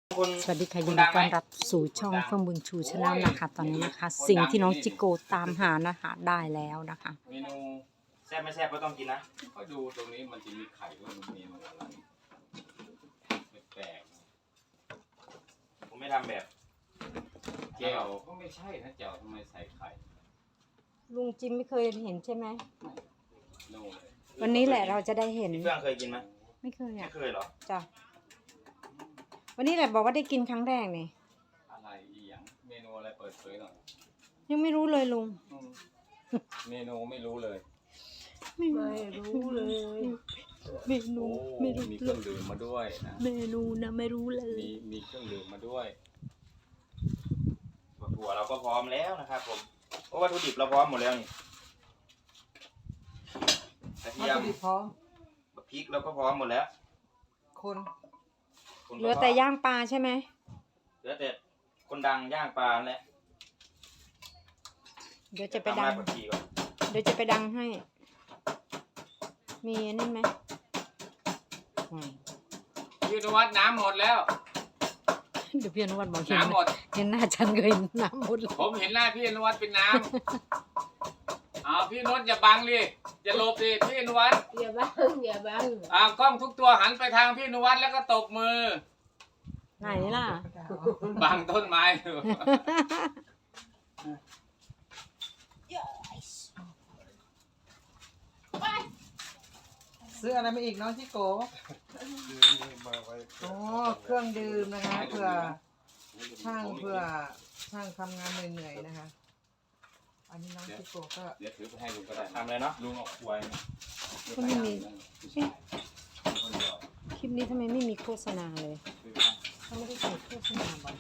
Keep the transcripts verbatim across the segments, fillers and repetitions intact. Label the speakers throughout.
Speaker 1: สวัสดีค่ะยินดีต้อนรับสู่ช่องเฟื่องบุญชูชาแนลนะคะตอนนี้นะคะสิ่งที่น้องจิโกตามหานะคะได้แล้วนะคะ
Speaker 2: เมนูแซ่บไม่แซ่บก็ต้องกินนะ
Speaker 3: ก็ดูตรงนี้มันจะมีไข่ว่ามันมีมันอะไรแปลก
Speaker 2: ผมไม่ทำแบบ
Speaker 3: แก้วก็ไม่ใช่นะแก้วทำไมใส่ไข่
Speaker 1: ลุงจิมไม่เคยเห็นใช่ไหม
Speaker 3: โน่เลย
Speaker 1: วันนี้แหละเราจะได้เห็น
Speaker 2: พี่เฟื่องเคยกินไหม
Speaker 1: ไม่เคยอ่ะ
Speaker 2: ไม่เคยหรอ
Speaker 1: จ้ะวันนี้แหละบอกว่าได้กินครั้งแรกนี่
Speaker 3: อะไรอีหยังเมนูอะไรเปิดเผยหน่อย
Speaker 1: ยังไม่รู้เลยลุง
Speaker 3: เมนูไม่รู้เลย
Speaker 1: ไม่รู้เลยเมนูไม่รู้
Speaker 3: มีเครื่องดื่มมาด้วยนะ
Speaker 1: เมนูนะไม่รู้เลย
Speaker 3: มีมีเครื่องดื่มมาด้วย
Speaker 2: ถั่วเราก็พร้อมแล้วนะครับผมเพราะวัตถุดิบเราพร้อมหมดแล้วนี่กระเทียม
Speaker 1: พร้อม
Speaker 2: พริกเราก็พร้อมหมดแล้ว
Speaker 1: คนเหลือแต่ย่างปลาใช่ไหม
Speaker 2: เหลือแต่คนดังย่างปลาแหละ
Speaker 1: เดี๋ยวจะไปดังเดี๋ยวจะไปดังให้มีนี่ไหม
Speaker 3: พี่นวัดน้ำหมดแล้ว
Speaker 1: เดี๋ยวพี่นวัดบอก
Speaker 3: น้ำหมด
Speaker 1: เห็นหน้าฉันก็เห็นน้ำหมด
Speaker 3: ผมเห็นหน้าพี่นวัดเป็นน้ำอ้าวพี่นวัดอย่าบังดิอย่าหลบดิพี่นวัด
Speaker 4: อย่าบังอย่าบัง
Speaker 3: อ้าวกล้องทุกตัวหันไปทางพี่นวัดแล้วก็ตบมือ
Speaker 1: ไหนล่ะ
Speaker 3: บังต้นไม้
Speaker 5: ซื้ออะไรมาอีกน้องชิโกโอ้เครื่องดื่มนะคะเพื่อช่างเพื่อช่างทำงานเหนื่อยๆนะคะอันนี้น้องชิโกก็
Speaker 3: เดี๋ยวถือไปให้ลุงก็ได้
Speaker 2: ทำเลยเนาะ
Speaker 3: ลุงเอาควย
Speaker 1: ก็ไม่มีคลิปนี้ทำไมไม่มีโฆษณาเลยเขาไม่ได้ใส่โฆษณาบ่อย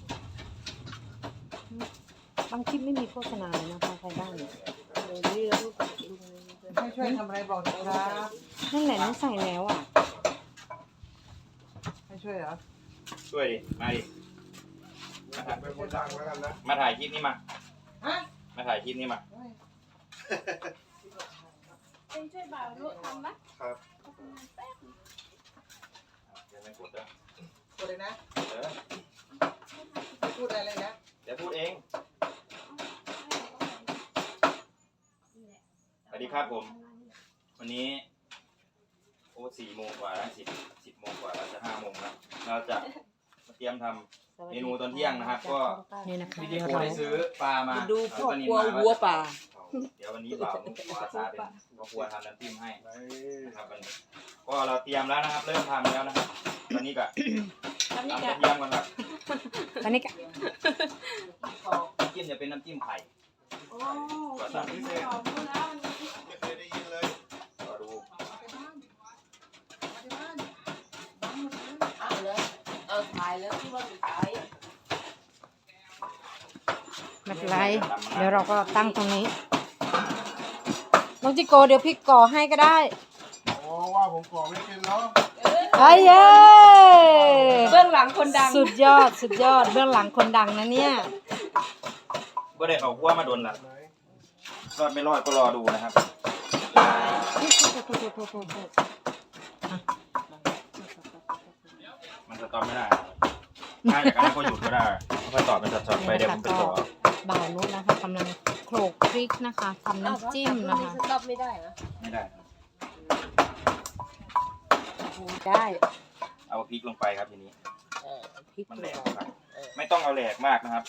Speaker 1: บางคลิปไม่มีโฆษณาเลยนะพอใครบ้างเนี่ย
Speaker 5: ให้ช่วยทำอะไรบอกนะครับ
Speaker 1: นั่นแหละนี่ใส่แล้วอ่ะ
Speaker 5: ให้ช่วยเหรอ
Speaker 2: ช่วยดิมาดิมาถ่ายเป็นคนดังแล้วกันนะมาถ่ายคลิปนี้มามาถ่ายคลิปนี้มา
Speaker 4: เป็นช่วยบ่าวรู้ทำไหม
Speaker 2: ครับเดี๋ยวไม่กดนะ
Speaker 5: กดเลยนะ
Speaker 2: เออ
Speaker 5: พูดอะไรเลยนะ
Speaker 2: เดี๋ยวพูดเองสวัสดีครับผมวันนี้โอ้สี่โมงกว่าแล้วสิบสิบโมงกว่าเราจะห้าโมงแล้วเราจะมาเตรียมทำเมนูตอนเที่ยงนะครับก็
Speaker 1: นี่นะคะ
Speaker 2: พี่จิโกได้ซื้อปลามา
Speaker 5: ดูพ่อครัววัวป่า
Speaker 2: เดี๋ยววันนี้บ่าววาซาเป็นพ่อครัวทำน้ำจิ้มให้นะครับวันนี้ก็เราเตรียมแล้วนะครับเริ่มทำแล้วนะครับตอนนี้ก็ทำกระเทียมก่อนครับ
Speaker 1: ตอนนี้ก็
Speaker 2: น้ำจิ้มจะเป็นน้ำจิ้มไข่ก็สั่งพิเศษไม่เคยได้ยินเลยก็ดู
Speaker 4: เอาเลยเอาถ่ายแล้วที่ว่าจะถ่าย
Speaker 1: ไม่เป็นไรเดี๋ยวเราก็ตั้งตรงนี้น้องจิโกเดี๋ยวพี่ก่อให้ก็ได้
Speaker 6: โอ้ว่าผมก่อไม่เป็นเนาะ
Speaker 1: เฮ้ยเย้
Speaker 4: เบื้องหลังคนดัง
Speaker 1: สุดยอดสุดยอดเบื้องหลังคนดังนะเนี่ย
Speaker 2: ก็ได้เอาหัวมาโดนละรอดไม่รอดก็รอดูนะครับมันจะตอบไม่ได้ถ้าอย่างนั้นก็หยุดก็ได้ค่อยตอบเป็นช็อตๆไปเดี๋ยวผมไปต่อ
Speaker 1: บ่าวนุชนะคะกำลังโขลกพริกนะคะทำน้ำจิ้มนะคะ
Speaker 4: ตอบไม่ได้เหรอ
Speaker 2: ไม่ได้
Speaker 1: ได้
Speaker 2: เอาพริกลงไปครับทีนี้มันแหลกครับไม่ต้องเอาแหลกมากนะครับ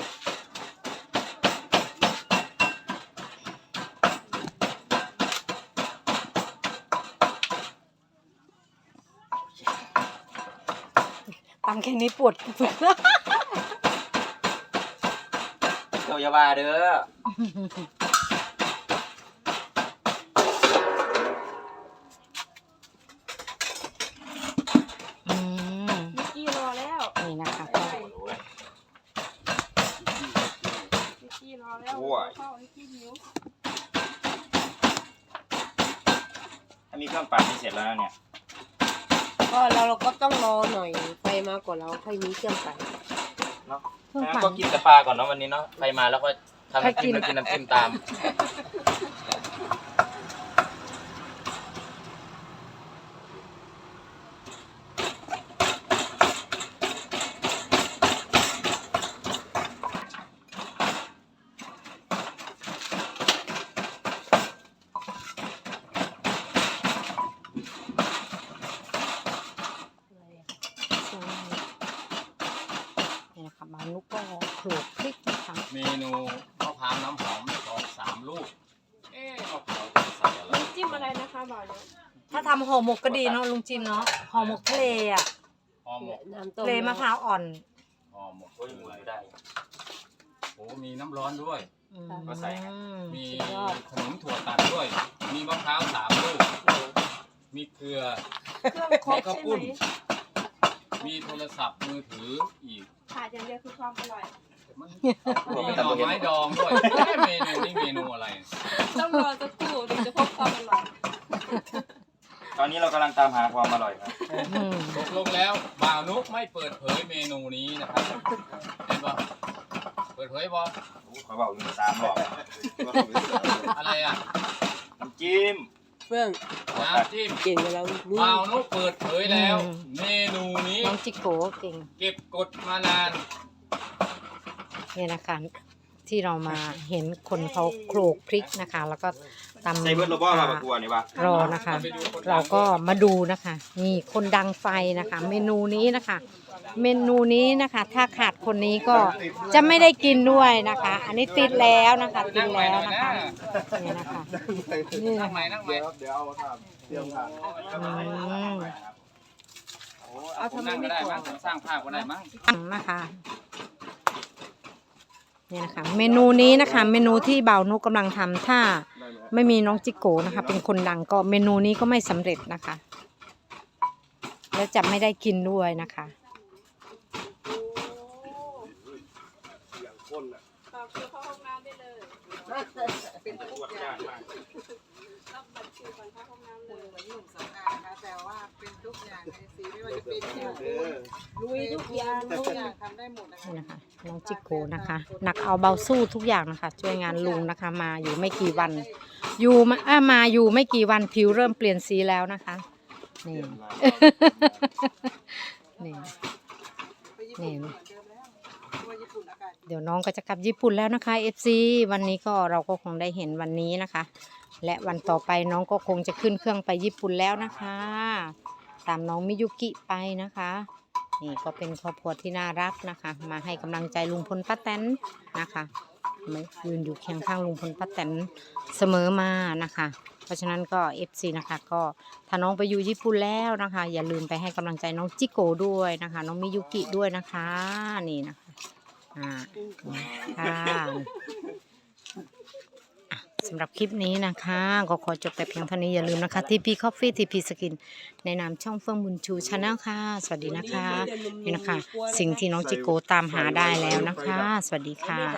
Speaker 1: ตำแค่นี้ปวดฝึก
Speaker 2: เจ้าอย่าว่าเด้อ
Speaker 1: อืม
Speaker 4: มิกกี้รอแล้ว
Speaker 1: นี่นะคะ
Speaker 4: มิกกี้รอแล้วเข้ามิกกี้หิว
Speaker 2: ถ้ามีเครื่องปั่นที่เสร็จแล้วเนี่ย
Speaker 4: ก็เราเราก็ต้องรอหน่อยไฟมาก่อนเราค่อยมีเครื่องปั่น
Speaker 2: เนาะงั้นก็กินแต่ปลาก่อนเนาะวันนี้เนาะไฟมาแล้วก็ทำน้ำจิ้มแล้วกินน้ำจิ้มตาม
Speaker 1: บ่าวนุก็โขลกพริกนะคะ
Speaker 3: เมนูมะพร้าวน้ำหอมสองสามลูก เอ๊ะมะพร้าวจะใส่อะไร
Speaker 4: น้ำจิ้มอะไรนะคะบ่าวเนี่ย
Speaker 1: ถ้าทำห่อหมกก็ดีเนาะลุงจิมเนาะห่อหมกทะเลอ่ะ
Speaker 3: ห่อหมก
Speaker 4: น้ำต้ม
Speaker 1: ทะเลมะพร้าวอ่อน
Speaker 3: ห่อหมก
Speaker 2: โอ้ยหมุนไม่ได้
Speaker 3: โอ้มีน้ำร้อนด้วย
Speaker 1: อืม
Speaker 2: ก็ใส่ครับ
Speaker 3: มีขนมถั่วตัดด้วย มีมะพร้าวสามลูก มีเกลือ
Speaker 4: เครื่องคร
Speaker 3: มี
Speaker 4: บ
Speaker 3: ข้าว
Speaker 4: ใช่
Speaker 3: ปุ้น
Speaker 4: ไหม
Speaker 3: มีโทรศัพท์มือถืออีก
Speaker 4: ขาดอย่างเดียวคือความอร่อย
Speaker 3: มันมีหน่อไม้ดองด้วยเอ๊ะเมนูนี่เมนูอะไร
Speaker 4: ต้องรอสักครู่ถึงจะพบความอร่อย
Speaker 2: ตอนนี้เรากำลังตามหาความอร่อยครับ
Speaker 1: อืม
Speaker 3: ตกลงแล้วบ่าวนุกไม่เปิดเผยเมนูนี้นะครับเห็นปะเปิดเผยปะ
Speaker 2: โอ้เขาบอกอยู่สามรอบ
Speaker 3: อะไรอ่ะ
Speaker 2: น้ำจิ้ม
Speaker 4: เฟื่อง
Speaker 3: น้ำจิ้ม
Speaker 4: เก่งกว่าเรานี่
Speaker 3: บ่าวนุกเปิดเผยแล้ว เมนูนี้
Speaker 1: น้องจิโกะเก่ง
Speaker 3: เก็บกดมานาน
Speaker 1: เนี่ยนะคะที่เรามาเห็นคนเขาโขลกพริกนะคะ แล้วก็ตำ
Speaker 2: ใส่เบิร์ดโรบอมาประกวดนี่ปะ
Speaker 1: รอนะคะ เราก็มาดูนะคะนี่คนดังไฟนะคะ เมนูนี้นะคะ เมนูนี้นะคะ ถ้าขาดคนนี้ก็จะไม่ได้กินด้วยนะคะ อันนี้ติดแล้วนะคะติดแล้วนะคะนี่นะคะนี่
Speaker 3: นั่
Speaker 1: นะ
Speaker 3: งใหม่
Speaker 1: คะ
Speaker 3: นั่งใหม่
Speaker 6: เดี๋ยวเดี๋ยวเอาทำเตรียมทาน
Speaker 1: อืม
Speaker 3: เอาทำนั่งก็ได้มั้งสร้างภาพก็ได้มั้ง
Speaker 1: นะคะนี่นะคะ เมนูนี้นะคะ เมนูที่บ่าวนุกกำลังทำถ้าไม่มีน้องจิโกะนะคะ เป็นคนดังก็เมนูนี้ก็ไม่สำเร็จนะคะ และจะไม่ได้กินด้วยนะคะ
Speaker 6: อย่างข้นอ่ะ
Speaker 4: ต่อคิวเข้าห้องน้ำได้เลย
Speaker 5: เป็นทุกอย่าง
Speaker 4: รับบัตรคิวก่อนเข้าห้องน้ำเล
Speaker 5: เห
Speaker 4: ย
Speaker 5: มือนหนุ่มสำอางนะคะแต่ว่าเป็นทุกอย่างในสีไม่ว่าจะเป็นผิว
Speaker 6: เด้อ
Speaker 4: ลุยทุกอย่าง
Speaker 5: ทุกอย่างทำได้หมดนะคะ
Speaker 1: นี่นะคะน้องจิโกะนะคะหนักเอาเบาสู้ทุกอย่างนะคะช่วยงานลุงนะคะ มาอยู่ไม่กี่วัน อยู่มาอ่ะมาอยู่ไม่กี่วันผิวเริ่มเปลี่ยนสีแล้วนะคะนี่ นี่
Speaker 5: ไปญี่ปุ่นเหมือนเดิมแล้วเพราะว่าญี่ปุ่นอากาศ
Speaker 1: เดี๋ยวน้องก็จะกลับญี่ปุ่นแล้วนะคะ เอฟ ซี วันนี้ก็เราก็คงได้เห็นวันนี้นะคะ และวันต่อไปน้องก็คงจะขึ้นเครื่องไปญี่ปุ่นแล้วนะคะ ตามน้องมิยุกิไปนะคะ นี่ก็เป็นครอบครัวที่น่ารักนะคะ มาให้กำลังใจลุงพลป้าแตนนะคะมายืนอยู่เคียงข้างลุงพลป้าแตนเสมอมานะคะ เพราะฉะนั้นก็ เอฟ ซี นะคะก็ถ้าน้องไปอยู่ญี่ปุ่นแล้วนะคะ อย่าลืมไปให้กำลังใจน้องจิโกะด้วยนะคะ น้องมิยุกิด้วยนะคะนี่นะคะอ่าค่ะอ่ะสำหรับคลิปนี้นะคะ ก็ขอจบแต่เพียงเท่านี้อย่าลืมนะคะ ที พี Coffee ที พี Skin ในนามช่องเฟื่องบุญชูชาแนลค่ะ สวัสดีนะคะนี่นะคะ สิ่งที่น้องจิโกะตามหาได้แล้วนะคะ สวัสดีค่ะ